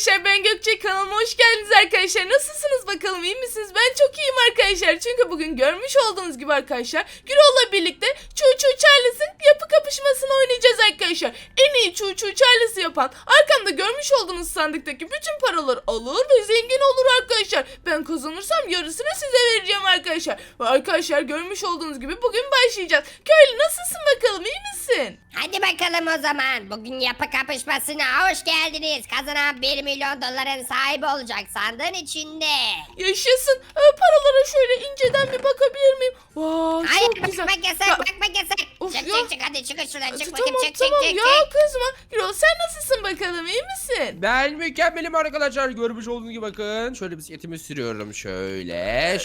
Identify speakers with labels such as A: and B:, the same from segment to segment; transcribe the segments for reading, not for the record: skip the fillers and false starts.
A: arkadaşlar, ben Gökçe, kanalıma hoş geldiniz arkadaşlar. Nasılsınız bakalım, iyi misiniz? Ben çok iyiyim arkadaşlar. Çünkü bugün görmüş olduğunuz gibi arkadaşlar, Gürol'la birlikte Çuğ Çuğ Charles'ın yapı kapışmasını oynayacağız arkadaşlar. En iyi Çuğ Çuğ Charles'ı yapan arkamda görmüş olduğunuz sandıktaki bütün paraları alır ve zengin olur arkadaşlar. Ben kazanırsam yarısını size vereceğim arkadaşlar. Ve arkadaşlar, görmüş olduğunuz gibi bugün başlayacağız. Köylü, nasılsın bakalım, iyi misin?
B: Hadi bakalım o zaman. Bugün yapı kapışmasına hoş geldiniz. Kazanan 1 milyon doların sahibi olacak sandığın içinde.
A: Yaşasın. Paralara şöyle inceden bir bakabilir miyim? Vay,
B: Hayır,
A: çok güzel.
B: bakmak yasak,
A: Ya,
B: bakmak yasak.
A: of
B: Çık
A: ya.
B: çık çık, hadi çıkın şuradan, çık
A: tamam
B: bakayım, çık
A: tamam
B: çık çık.
A: ya, kızma. Gürol, sen nasılsın bakalım, iyi misin?
C: Ben mükemmelim arkadaşlar. Görmüş olduğunuz gibi bakın. Şöyle bisikletimi sürüyorum. Şöyle.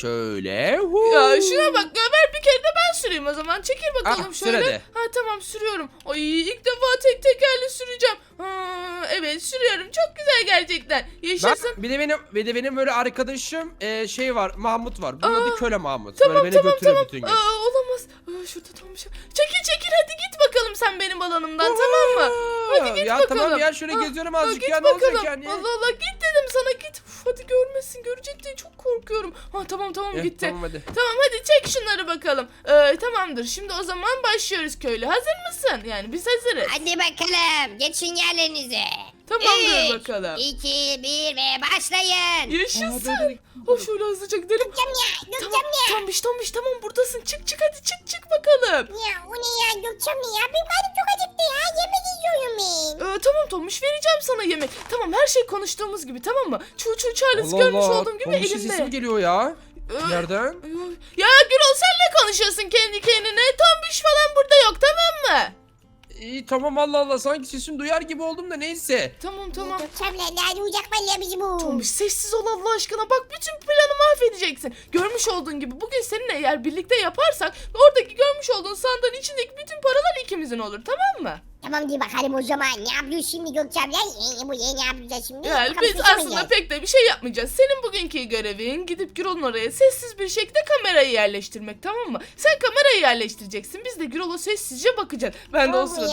A: Ya şuna bak, ver bir kere de ben süreyim o zaman. Çekil bakalım
C: Ah, sür
A: şöyle.
C: hadi.
A: Ha tamam, sürüyorum. Ay, ilk defa tek tekerli süreceğim. Evet, sürüyorum. Çok güzel gerçekten.
C: Bak,
A: Yaşasın.
C: bir de benim böyle arkadaşım şey var. Mahmut var. Bunun adı Köle Mahmut.
A: Tamam
C: böyle beni götürüyor bütün gün.
A: Olamaz. Şurada tam bir şey. Çekil hadi git bakalım sen benim alanımdan, tamam mı? Hadi git
C: ya
A: bakalım.
C: tamam ya, şöyle geziyorum azıcık
A: git
C: ya, ne olacak
A: bakalım.
C: yani?
A: Allah Allah, git dedim sana, git. Hadi görmesin, görecek diye çok korkuyorum. Tamam gitti.
C: Tamam hadi.
A: Tamam, hadi çek şunları bakalım. Tamamdır, şimdi o zaman başlıyoruz köylü. Hazır mısın? Yani biz hazırız.
B: Hadi bakalım, geçin yerlerinize.
A: Tamamdır
B: 3,
A: bakalım.
B: 2, 1 ve başlayın.
A: Yaşasın. Şöyle hızlıca gidelim. Tombiş tamam, buradasın. Çık hadi, çık bakalım.
B: Ya o ne ya Gökçem ya, benim karnım çok acıktı ya, yemek istiyorum ben.
A: Tamam Tombiş, vereceğim sana yemek. Tamam, her şey konuştuğumuz gibi, tamam mı? Çuğ Charles görmüş olduğum gibi
C: Tombiş'in sesi mi
A: elimde.
C: geliyor ya?
A: Ee,
C: Nereden?
A: Ya Gürol, sen ne konuşuyorsun kendi kendine? Tombiş falan burada yok, tamam mı?
C: İyi tamam, Allah Allah, sanki sesini duyar gibi oldum da neyse.
A: Tamam.
B: Gökçem'le nerede uyacak valla bizi bu?
A: Tombiş, sessiz ol Allah aşkına. Bak, bütün planı mahvedeceksin. Görmüş olduğun gibi bugün seninle eğer birlikte yaparsak oradaki görmüş olduğun sandığın içindeki bütün paralar ikimizin olur, tamam mı?
B: Tamam diye bakalım o zaman. Ne yapıyoruz şimdi Gökçem'le? Bu ne yapacağız şimdi?
A: Yani biz aslında pek de bir şey yapmayacağız. Senin bugünkü görevin gidip Gürol'un oraya sessiz bir şekilde kamerayı yerleştirmek, tamam mı? Sen kamerayı yerleştireceksin. Biz de Gürol'a sessizce bakacağız. Ben de o sırada...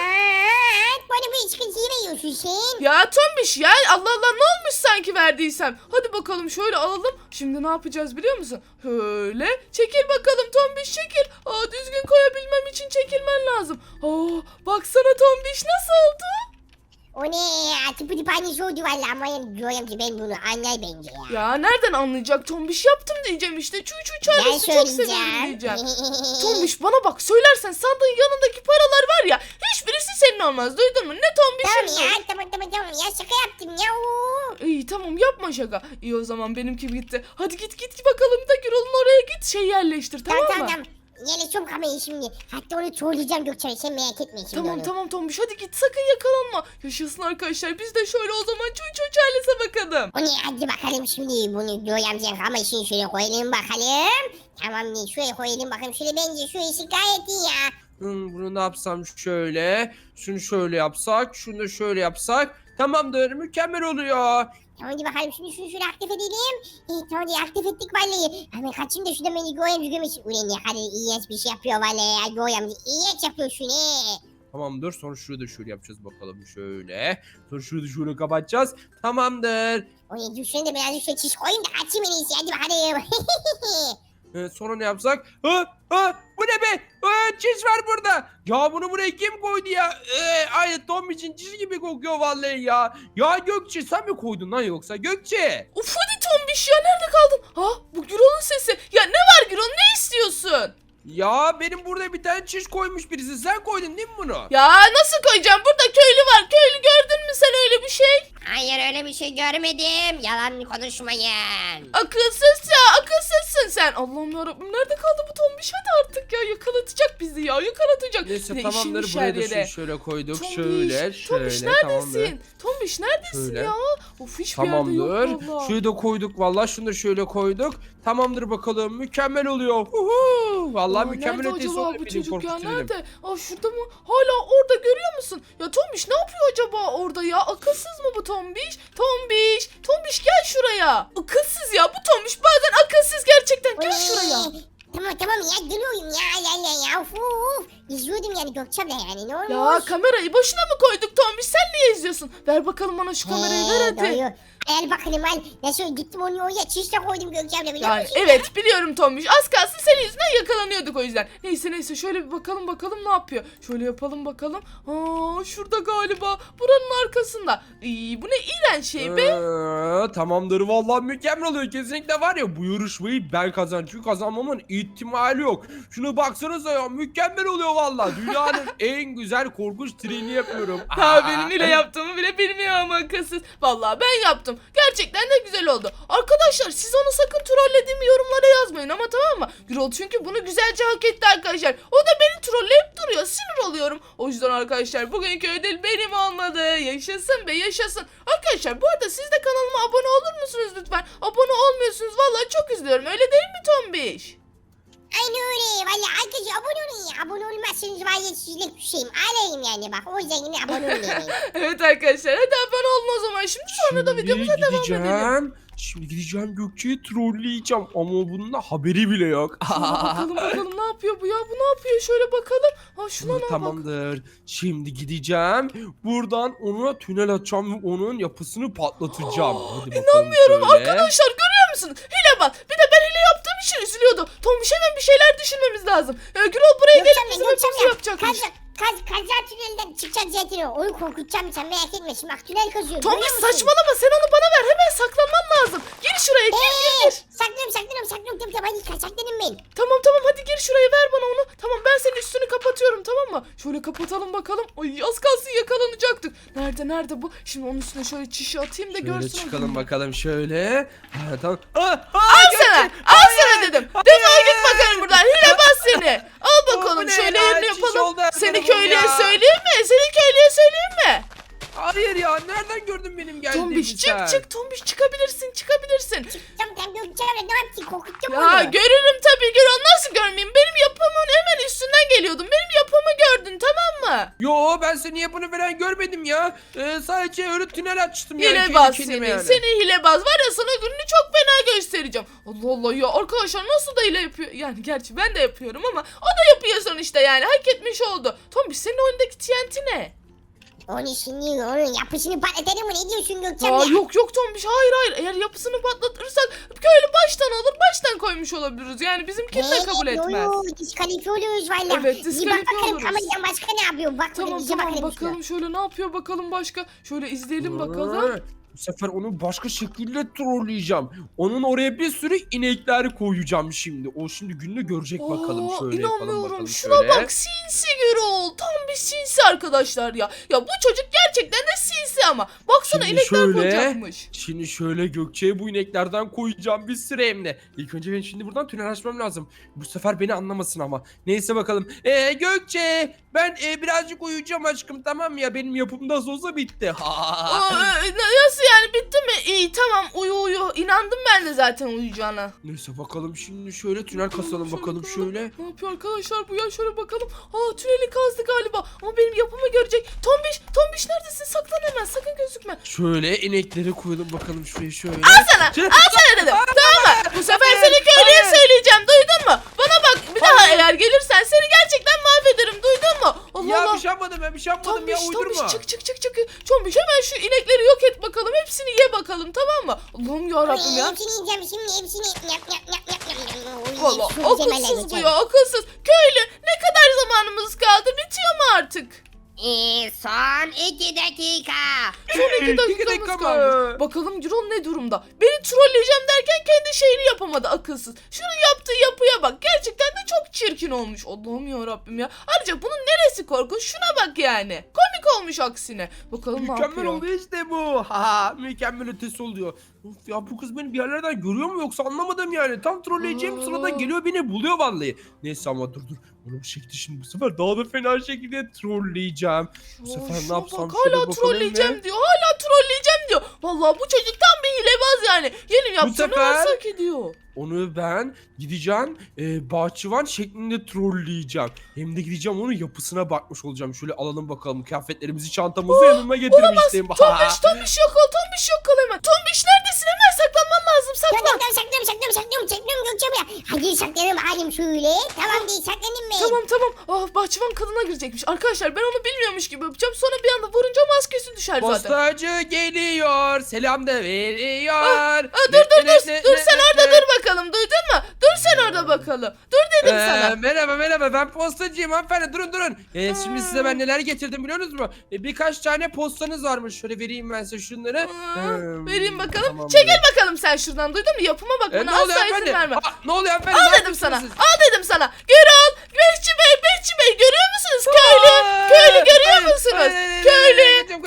B: Bana bir sıkıntı veriyorsun sen.
A: Ya Tombiş ya, Allah Allah, ne olmuş sanki verdiysem. Hadi bakalım şöyle alalım. Şimdi ne yapacağız biliyor musun? Şöyle çekil bakalım Tombiş, çekil. Düzgün koyabilmem için çekilmen lazım. Baksana Tombiş, nasıl oldu?
B: O ne ya? Tıpı tıphanesi oldu valla ama yani diyorum ki ben bunu anlar bence ya.
A: Ya nereden anlayacak? Tombiş yaptım diyeceğim işte. Çuğ Charles'ı çok seviyorum diyeceğim. Tombiş, bana bak, söylersen sandığın yanındaki paralar var ya, hiçbirisi senin olmaz, duydun mu? Ne Tombiş'in?
B: Tamam ya, tamam ya, şaka yaptım ya.
A: İyi tamam, yapma şaka. İyi o zaman, benimki bitti. Hadi git bakalım da Gürol'un oraya git, şey yerleştir, tamam mı?
B: Tamam. Yerleşiyorum kamerayı şimdi. Hatta onu trolleyeceğim Gökçen'e, sen merak etme şimdi onu.
A: Tamam Tombiş, hadi git, sakın yakalanma. Yaşasın arkadaşlar, biz de şöyle o zaman Çuğ Charles'e bakalım.
B: O ne, hadi bakalım şimdi bunu doyamacağım ama şimdi şöyle koyalım bakalım. Tamam, şöyle koyalım bakalım, şöyle bence şu işi gayet iyi ya.
C: Bunu ne yapsam şöyle. Şunu şöyle yapsak. Şunu da şöyle yapsak. Tamamdır, mükemmel oluyor.
B: Tamam, hadi bakalım şimdi şunu şöyle aktif edelim. Tamam diye aktif ettik vallahi. Hemen kaçayım da şurada beni Goyamcı gömesin. Ulan ne kadar iğrenç bir şey yapıyor vallahi ya Goyamcı. İğrenç yapıyor şunu.
C: Tamamdır, sonra şurada da şöyle yapacağız bakalım, şöyle. Sonra şurada şöyle kapatacağız. Tamamdır.
B: O ne, düşünün de birazcık şöyle çiş koyayım da kaçayım en iyisi, hadi bakalım.
C: Sonra ne yapsak? Bu ne be? Çiz var burada. Ya bunu buraya kim koydu ya? Aynı Tom için çiz gibi kokuyor vallahi ya. Ya Gökçe, sen mi koydun lan yoksa? Gökçe.
A: Uf, hadi Tombiş ya, nerede kaldın? Bu Gürol'un sesi. Ya ne var Gürol, ne istiyorsun?
C: Ya benim burada bir tane çiş koymuş birisi. Sen koydun değil mi bunu?
A: Ya nasıl koyacağım? Burada köylü var. Köylü, gördün mü sen öyle bir şey?
B: Hayır, öyle bir şey görmedim. Yalan konuşmayın.
A: Akılsızsın sen. Allah'ım yarabbim, nerede kaldı bu Tombiş? Hadi artık ya, yakalatacak bizi ya, yakalatacak.
C: Neyse
A: Yine
C: tamamdır,
A: işinmiş
C: buraya
A: her
C: da
A: yere.
C: şöyle koyduk.
A: Tombiş,
C: Şöyle
A: Tombiş
C: tamamdır.
A: neredesin? Tombiş neredesin
C: Şöyle.
A: ya? Of, hiçbir yerde
C: Tamamdır.
A: yok valla.
C: Şurayı da koyduk vallahi. Şunu da şöyle koyduk. Tamamdır bakalım. Mükemmel oluyor. Huhu. Vallahi mükemmel
A: nerede
C: ötesi
A: acaba
C: oluyor.
A: bu
C: Benim
A: çocuk ya,
C: korkutucu benim.
A: nerede? Şurada mı? Hala orada, görüyor musun? Ya Tombiş ne yapıyor acaba orada ya? Akılsız mı bu Tombiş? Tombiş gel şuraya. Akılsız ya bu Tombiş, bazen akılsız gerçekten. Gel şuraya.
B: Tamam ya, geliyorum ya. Uf. izliyordum yani Gökçem'le yani ne
A: Ya
B: olmuş?
A: kamerayı boşuna mı koyduk Tombiş? Sen niye izliyorsun? Ver bakalım bana şu kamerayı, ver hadi.
B: Doğru. Al bakalım al. Nasıl gittim onu oraya çişle koydum Gökçem'le biliyor
A: Yani
B: musun?
A: evet biliyorum Tombiş. Az kalsın senin yüzünden yakalanıyorduk o yüzden. Neyse şöyle bir bakalım ne yapıyor. Şöyle yapalım bakalım. Aa şurada galiba. Buranın arkasında. Bu ne iğrenç şey be.
C: Tamamdır vallahi mükemmel oluyor. Kesinlikle var ya bu yarışmayı ben kazanacağım. Çünkü kazanmamın ihtimali yok. Şuna baksanıza ya mükemmel oluyor vallahi. Dünyanın en güzel korkunç treni yapıyorum.
A: Ha benim hile yaptığımı bile bilmiyor ama akılsız. Vallahi ben yaptım. Gerçekten de güzel oldu. Arkadaşlar siz onu sakın trollediğimi yorumlara yazmayın ama tamam mı? Gürol çünkü bunu güzelce hak etti arkadaşlar. O da beni trolleyip duruyor. Sinir oluyorum. O yüzden arkadaşlar bugünkü ödül benim olmadı. Yaşasın be yaşasın. Arkadaşlar bu arada siz de kanalıma abone olur musunuz lütfen? Abone olmuyorsunuz. Vallahi çok üzülüyorum. Öyle değil mi Tombiş?
B: Aynı öyle. Valla arkadaşlar abone olun ya. Abone olmazsanız var ya sizlik bir şeyim. Alayım yani bak. O yüzden yine abone olun.
A: Evet arkadaşlar hadi abone olun o zaman. Şimdi sonra da videomuza devam edelim.
C: Şimdi gideceğim Gökçe'yi trolleyeceğim ama bunun da haberi bile yok.
A: Bakalım ne yapıyor bu ya? Bu ne yapıyor? Şöyle bakalım. Ha şuna ne bak.
C: Tamamdır. Şimdi gideceğim. Buradan ona tünel açacağım ve onun yapısını patlatacağım. Hadi bakalım
A: İnanmıyorum
C: şöyle.
A: arkadaşlar görüyor musunuz? Hile bak. Bir de ben hile yaptığım için üzülüyordu. Tombiş hemen bir şeyler düşünmemiz lazım. Gürol buraya gelip bizim hepimizi yapacakmış.
B: Kazan tünelden çıkacak zaten o. Onu korkutacağım sen merak etme. Şimdi bak tünel kazıyorum.
A: Tombiş
B: görüyor musun?
A: saçmalama sen onu bana ver. Hemen saklanman lazım. Gir şuraya gir.
B: Saklıyorum. Tabii hadi saklanın ben.
A: Tamam hadi gir şuraya ver bana onu. Tamam ben senin üstünü kapatıyorum tamam mı? Şöyle kapatalım bakalım. Ay az kalsın yakalanacaktık. Nerede bu? Şimdi onun üstüne şöyle çişi atayım da
C: Şöyle
A: görsün.
C: çıkalım bakalım şöyle. Ha, tamam.
A: Al sana dedim. Defol git bakalım buradan. Hilebaz seni. Al
C: Bu
A: bakalım
C: ne
A: şöyle
C: ya?
A: yerini
C: Çiş
A: yapalım.
C: oldu her
A: Seni
C: tarafım
A: köylüye
C: ya.
A: söyleyeyim mi? Seni köylüye söyleyeyim mi?
C: Hayır ya nereden gördün benim geldiğimi
A: Tombiş
C: sen?
A: çık Tombiş çıkabilirsin.
B: Tamam Gökçem'le ne yaptın? Korkutacağım
A: Ya
B: onu.
A: görürüm tabii Gürol nasıl görmeyeyim? Benim yapımın hemen üstünden geliyordum. Benim yapımı gördün tamam mı?
C: Yo ben senin yapını falan görmedim ya. Sadece öyle tünel açtım yani.
A: Hilebaz
C: kendi
A: seni.
C: kendime yani.
A: Seni hilebaz var ya sana gününü çok fena göstereceğim. Allah Allah ya arkadaşlar nasıl da hile yapıyor? Yani gerçi ben de yapıyorum ama o da yapıyor sonuçta yani hak etmiş oldu. Tombiş senin oyundaki TNT ne?
B: Onu şimdi onun yapısını patlatalım mı? Ne diyorsun Gökçem
A: Aa,
B: ya?
A: yok Tombiş hayır eğer yapısını patlatırsak köylü baştan alır baştan koymuş olabiliriz. Yani bizimkini de kabul etmez.
B: Diskalifiye oluyoruz valla.
A: Evet,
B: Bir
A: diskalifiye
B: bak bakalım
A: oluruz.
B: kameradan başka ne yapıyor? Bak
A: Tamam
B: bize bakalım.
A: bakalım şöyle ne yapıyor bakalım başka. Şöyle izleyelim bakalım.
C: Bu sefer onu başka şekilde trolleyeceğim. Onun oraya bir sürü inekler koyacağım şimdi. O şimdi gününü görecek bakalım.
A: Aa,
C: Şöyle yapalım
A: inanmıyorum.
C: bakalım
A: Şuna
C: şöyle.
A: bak sinsi Gürol. Tam bir sinsi arkadaşlar ya. Ya bu çocuk gerçekten de sinsi ama. Baksana
C: Şimdi
A: inekler
C: şöyle,
A: koyacakmış.
C: Şimdi şöyle Gökçe'ye bu ineklerden koyacağım bir sürü hem de. İlk önce ben şimdi buradan tünel açmam lazım. Bu sefer beni anlamasın ama. Neyse bakalım. Gökçe ben birazcık uyuyacağım aşkım tamam ya. Benim yapım nasıl olsa bitti.
A: Nasıl yani bitti mi? İyi tamam uyu. İnandım ben de zaten uyuyacağına.
C: Neyse bakalım şimdi şöyle tünel kasalım bakalım şöyle.
A: Ne yapıyor arkadaşlar bu ya şöyle bakalım. Aa tüneli kazdı galiba. Ama benim yapımı görecek. Tombiş neredesin? Saklan hemen sakın gözükme.
C: Şöyle inekleri koyalım bakalım şuraya şöyle.
A: Al sana dedim. Tamam mı? Bu sefer seni köylüye söyleyeceğim. Duydun mu? Bana bak bir daha eğer gelirsen seni gerçekten mahvederim. Duydun mu? Allah
C: Ya
A: Allah.
C: bir şey yapmadım ben bir şey yapmadım ya uydurma.
A: Tombiş çık. Tombiş hemen şu inekleri yok et bakalım. Hepsini ye bakalım tamam mı? Allah'ım yarabbim ya.
B: Hepsini yiyeceğim şimdi hepsini.
A: Valla akılsız bu ya akılsız. Köylü ne kadar zamanımız kaldı? Bitiyor mu artık?
B: Son 2 dakika.
A: Son 2
C: İki
A: dakikamız
C: dakika
A: kalmış.
C: mı?
A: Bakalım Gürol ne durumda? Beni trolleyeceğim derken kendi şeyini yapamadı akılsız. Şunun yaptığı yapıya bak. Gerçekten de çok çirkin olmuş. Allah'ım ya Rabbim ya. Ayrıca bunun neresi korkunç? Şuna bak yani. Komik olmuş aksine. Bakalım ne
C: Mükemmel
A: yapıyor?
C: oldu işte bu. Ha mükemmel ötesi oluyor. Of ya bu kız beni bir yerlerden görüyor mu yoksa anlamadım yani. Tam trolleyeceğim sırada geliyor beni buluyor vallahi. Neyse ama dur. Onu bir şekilde şimdi bu sefer daha da fena şekilde trolleyeceğim. Bu sefer
A: Şuna
C: ne yapsam
A: bak,
C: şöyle
A: hala
C: bakalım
A: trolleyeceğim
C: ve...
A: diyor. Hala trolleyeceğim diyor. Vallahi bu çocuk tam bir hilebaz yani. Yeni yaptığını
C: sefer-
A: hak ediyor.
C: Onu ben gideceğim bahçıvan şeklinde trolleyeceğim. Hem de gideceğim onun yapısına bakmış olacağım. Şöyle alalım bakalım kıyafetlerimizi, çantamızı yanıma getirmiştim.
A: Tombiş yok ol. Tombiş yok ol hemen. Tombiş neredesin? Hemen saklanman lazım. Saklan.
B: Saklıyorum Gökçe abla. Hadi saklanayım halim şöyle. Tamam değil saklanayım ben.
A: Tamam. Ah, bahçıvan kadına girecekmiş. Arkadaşlar ben onu bilmiyormuş gibi yapacağım. Sonra bir anda vurunca maskesi düşer zaten.
C: Postacı geliyor. Selam da veriyor.
A: Dur sen orada dur bakalım, duydun mu? Dur sen orada bakalım. Dur dedim sana.
C: Merhaba ben postacıyım hanımefendi durun. Şimdi size ben neler getirdim biliyor musunuz? Birkaç tane postanız varmış. Şöyle vereyim ben size şunları.
A: Vereyim bakalım.
C: Tamam,
A: Çekil bakalım sen şuradan, duydun mu? Yapıma bak,
C: ne
A: bana
C: oluyor
A: asla izin
C: hanımefendi?
A: verme.
C: Ne oluyor hanımefendi?
A: Al
C: Ne
A: dedim sana.
C: yapıyorsunuz
A: Al dedim sana. Gürol, Bekçi Bey görüyor musunuz? Köylü görüyor musunuz? Köylü.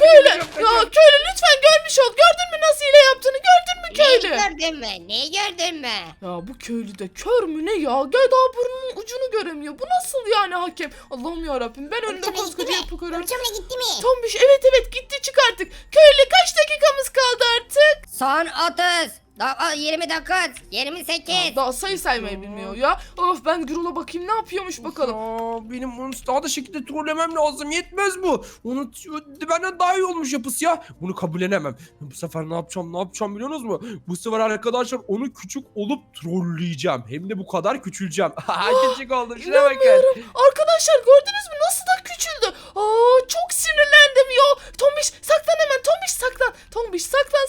A: Ya köylü lütfen görmüş ol. Gördün mü nasıl hile yaptığını? Gördün mü köylü?
B: Neyi gördün mü?
A: Ya bu köylü de kör mü ne ya? Gel daha burnunun ucunu göremiyor. Bu nasıl yani hakem? Allah'ım yarabbim, ben önünde koskoca yapı görüyorum.
B: Gökçe abla gitti mi?
A: Tombiş evet gitti, çık artık. Köylü kaç dakikamız kaldı artık?
D: Son 30. 29. 28.
A: Daha sayı saymayı bilmiyor ya. Of, ben Gürol'a bakayım ne yapıyormuş bakalım.
C: Benim onu daha da şekilde trollemem lazım. Yetmez bu. Onu benden daha iyi olmuş yapısı ya. Bunu kabullenemem. Bu sefer ne yapacağım biliyor musunuz mu? Bu sefer arkadaşlar onu küçük olup trolleyeceğim. Hem de bu kadar küçüleceğim. Küçük oldu. Şuna bakın.
A: İnanmıyorum. Arkadaşlar gördünüz mü nasıl da küçüldü? Çok sinirlendim ya. Tombiş saklan hemen, Tombiş saklan. Tombiş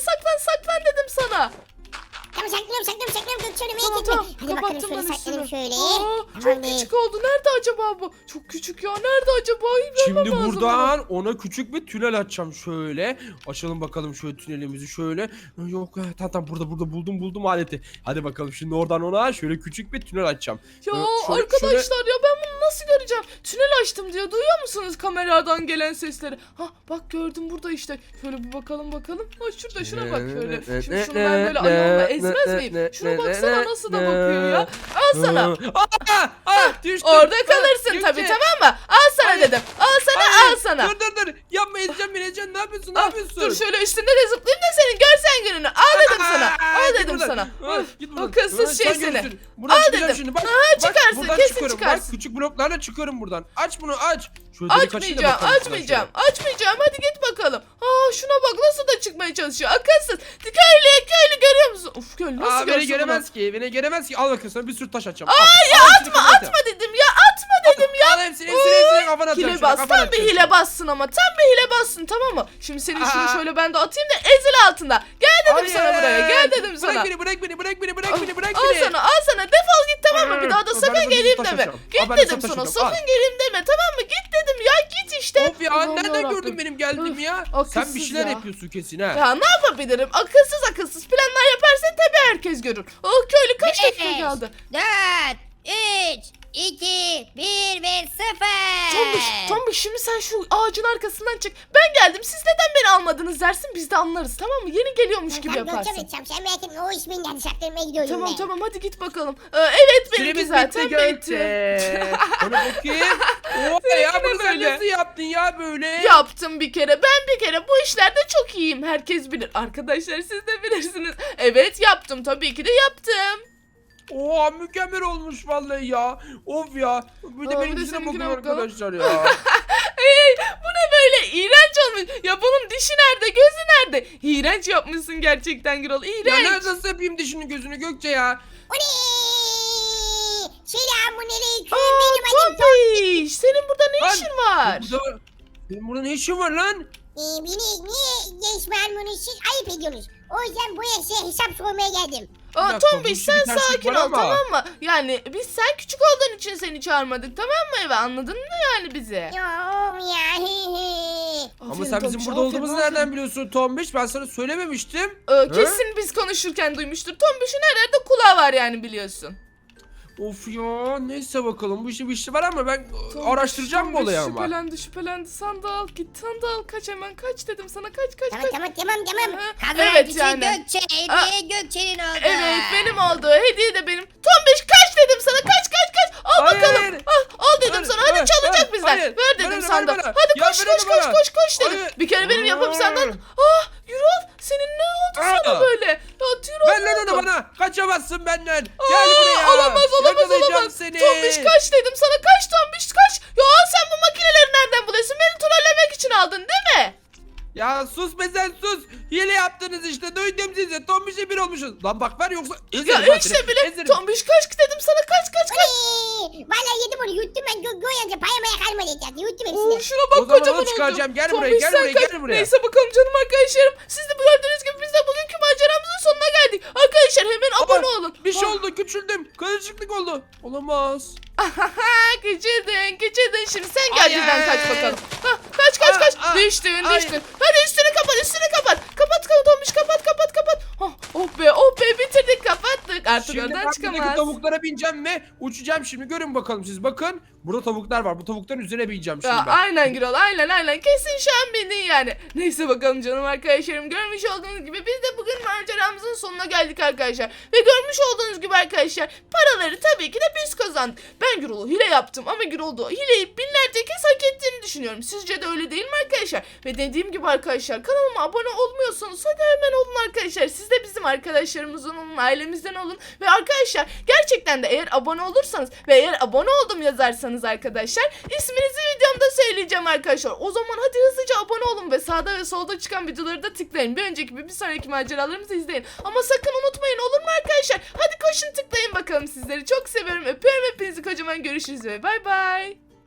A: saklan dedim sana.
B: Tamam saklıyorum Gökçe abla merak
A: Tamam.
B: etme. Hadi bakalım
A: Kapattım
B: şöyle
A: ben
B: saklanayım
A: üstünü.
B: şöyle.
A: Çok
B: Tamamdır.
A: küçük oldu. Nerede acaba bu? Çok küçük ya. Nerede acaba?
C: Şimdi buradan ona küçük bir tünel açacağım şöyle. Açalım bakalım şöyle tünelimizi şöyle. Yok tamam burada buldum aleti. Hadi bakalım şimdi oradan ona şöyle küçük bir tünel açacağım.
A: Ya
C: Şöyle-
A: arkadaşlar ya ben bunu nasıl göreceğim? Tünel açtım diyor. Duyuyor musunuz kameradan gelen sesleri? Bak gördüm burada işte. Şöyle bir bakalım. Şurada şuna bak şöyle. Şimdi şunu ben böyle ayağımla ezmez miyim? Şuna baksana nasıl da bakıyor ya. Al sana.
C: Düştüm.
A: Orada kalırsın
C: Gökçe.
A: tabii, tamam mı? Al sana
C: Hayır.
A: dedim. Al sana.
C: Dur. Yapma ezeceğim. Ne yapıyorsun?
A: Dur şöyle üstünde de zıplayayım da senin görsen gününü. Al dedim sana. Al
C: Git
A: dedim
C: buradan.
A: sana.
C: Git
A: O
C: buradan.
A: kızsız
C: Sen
A: şey seni.
C: görürsün. Buradan
A: Al
C: çıkacağım
A: dedim.
C: şimdi. Bak,
A: Çıkarsın,
C: buradan
A: kesin
C: çıkıyorum.
A: çıkarsın.
C: Bak küçük bloklarla çıkıyorum buradan. Aç bunu aç. Şöyle delik açayım da bakalım şuna
A: Açmayacağım. Hadi git bakalım. Şuna bak nasıl da çıkmaya çalışıyor. Akılsız. Köylü görüyor musun? Of köylü
C: şöyle.
A: nasıl
C: Beni
A: görsün
C: göremez ki. Beni göremez ki. Al bakayım sana bir sürü taş atacağım.
A: Atma dedim ya. Atma dedim ya.
C: Al hepsini kafana atacağım.
A: Hile bas. Tam bir hile bassın ama. Tam bir hile bassın, tamam mı? Şimdi senin şunu şöyle ben de atayım da ezil altında. Gel dedim sana buraya. Gel dedim sana.
C: Bırak beni.
A: Al sana. Defol git, tamam mı? Bir daha da
C: Ben
A: sakın
C: sana
A: geleyim
C: taş
A: deme.
C: atacağım.
A: Git
C: Ben
A: dedim
C: sana
A: sana.
C: taş atacağım.
A: Sakın geleyim deme, tamam mı? Git dedim ya. Git işte.
C: Of ya
A: Allah'ım
C: nereden
A: yarabbim.
C: gördün benim geldiğimi ya?
A: Akılsız
C: Sen bir şeyler
A: ya.
C: yapıyorsun kesin ha.
A: Ya ne yapabilirim? Akılsız planlar yaparsan tabii herkes görür. Köylü kaç dakika
D: Beş,
A: kaldı?
D: 4, 3, 2, 1 ve 0.
A: Tombiş şimdi sen şu ağacın arkasından çık. Ben geldim, siz neden beni almadınız dersin, biz de anlarız, tamam mı? Yeni geliyormuş gibi
B: Tamam Gökçe
A: yaparsın.
B: abla sen merak etme o iş benim hadi saklanmaya gidiyorum ben.
A: Tamam hadi git bakalım. Evet benimki
C: Süremiz
A: zaten
C: bitti
A: bitti.
C: Gökçe. Ona bakayım. Oha ya
A: Seninki de
C: bunu sen
A: böyle.
C: nasıl yaptın ya böyle?
A: Yaptım bir kere. Ben bir kere bu işlerde çok iyiyim. Herkes bilir. Arkadaşlar siz de bilirsiniz. Evet yaptım. Tabii ki de yaptım.
C: Oha mükemmel olmuş vallahi ya. Of ya. Bir de
A: Aa,
C: benim
A: bir de
C: yüzüne
A: seninkine
C: bakın
A: bakalım.
C: arkadaşlar ya.
A: Bu ne böyle? İğrenç olmuş. Ya bunun dişi nerede? Gözü nerede? İğrenç yapmışsın gerçekten Gürol.
C: Ya
A: İğrenç.
C: nasıl yapayım dişini gözünü Gökçe ya?
B: Oley! Selamünaleyküm
A: Aa,
B: benim adım
A: Tombiş. Senin burada ne
C: Lan,
A: işin var?
C: Benim burada ne işim var lan?
B: Beni niye geçmen bunu siz ayıp ediyorsunuz. O yüzden bu yaşa hesap sormaya geldim.
A: Aa,
C: Bir dakika,
A: Tombiş
C: bu
A: sen
C: işin bir terslik
A: sakin
C: var
A: ol,
C: ama.
A: tamam mı? Yani biz sen küçük olduğun için seni çağırmadık, tamam mı eve, anladın mı yani bizi?
B: Ya ya.
C: Ama
A: Aferin
C: sen bizim
A: Tombiş,
C: burada
A: aferin,
C: olduğumuzu
A: aferin.
C: nereden biliyorsun Tombiş? Ben sana söylememiştim.
A: Kesin biz konuşurken duymuştur. Tombiş'in her yerde kulağı var yani, biliyorsun.
C: Of ya neyse bakalım bu işin bir işi var ama ben
A: Tombiş,
C: araştıracağım bu
A: Tombiş
C: olayı ama.
A: Şüphelendi. Sandal git, sandal kaç hemen, kaç dedim sana, kaç.
B: Tamam.
A: Aha,
D: Kazanan
A: evet
D: kişi
A: yani.
D: Gökçe. Hediye Gökçe'nin oldu.
A: Evet benim oldu. Hediye de benim. Tombiş kaç dedim sana, kaç. Al
C: Hayır.
A: bakalım. Al dedim
C: Hayır,
A: sana. Hadi
C: hayır,
A: çalacak
C: hayır,
A: bizden.
C: hayır.
A: Ver dedim
C: Ver,
A: sandal.
C: ver bana.
A: Hadi
C: Ya
A: koş
C: ver bana.
A: dedim.
C: Hayır.
A: Bir kere benim yapım sandal.
C: Hayır.
A: Gürol senin ne oldu sana
C: Aa.
A: böyle? Ya Gürol
C: Ver lan onu bana. Kaçamazsın benden. Gel buraya.
A: Olamaz
C: Yakalayacağım
A: olamaz.
C: seni.
A: Tombiş kaç dedim sana, kaç Tombiş kaç. Ya sen bu makineleri nereden buluyorsun? Beni trollemek için aldın değil mi?
C: Ya sus be sen sus. Hile yaptınız işte. Duydum sizi. Tombiş'e bir olmuşuz. Lan bak ver yoksa
A: Ya
C: ezerim lan
A: işte
C: seni.
A: bile
C: Ezerim.
A: Tombiş kaç dedim sana, kaç.
B: Valla yedim onu yuttum ben Göğe amca payamaya kalmadı etrafta yuttum
A: Oo,
B: hepsini.
A: şuna bak
C: O zaman
A: kocaman
C: onu
A: oldu.
C: çıkaracağım. Gel buraya,
A: Tombiş
C: gel
A: sen
C: buraya,
A: kaç.
C: gel buraya.
A: Neyse bakalım canım arkadaşlarım. Siz de gördüğünüz gibi biz de bugünkü maceramızın sonuna geldik. Arkadaşlar hemen abone olun.
C: Bir şey
A: Ah.
C: oldu, küçüldüm. Karışıklık oldu. Olamaz.
A: Geçirdin şimdi sen
C: Ay,
A: gel birden
C: ay,
A: kaç
C: ay.
A: bakalım. Hah, kaç. Düştün.
C: ay.
A: Hadi üstünü kapat. Kapat Tombiş kapat. Oh be bitirdik, kapattık. Artık
C: Şimdi
A: oradan
C: ben buradaki
A: çıkamaz.
C: tavuklara bineceğim ve uçacağım şimdi. Görün bakalım siz. Bakın. Burada tavuklar var. Bu tavukların üzerine bineceğim şimdi
A: Ya,
C: ben.
A: aynen Gürol aynen kesin şu an bindin yani. Neyse bakalım canım arkadaşlarım, görmüş olduğunuz gibi biz de bugün maceramızın sonuna geldik arkadaşlar. Ve görmüş olduğunuz gibi arkadaşlar paraları tabii ki de biz kazandık. Ben Gürol'u hile yaptım ama Gürol da hileyi binlerce kez hak ettiğini düşünüyorum. Sizce de öyle değil mi arkadaşlar? Ve dediğim gibi arkadaşlar, kanalıma abone olmuyorsanız hadi hemen olun arkadaşlar. Siz de bizim arkadaşlarımızdan olun, ailemizden olun. Ve arkadaşlar gerçekten de eğer abone olursanız ve eğer abone oldum yazarsanız arkadaşlar isminizi videomda söyleyeceğim arkadaşlar. O zaman hadi hızlıca abone olun ve sağda ve solda çıkan videoları da tıklayın. Bir önceki bir sonraki maceralarımızı izleyin. Ama sakın unutmayın, olur mu arkadaşlar? Hadi koşun tıklayın bakalım, sizleri çok seviyorum. Öpüyorum hepinizi kocaman, görüşürüz ve bay bay.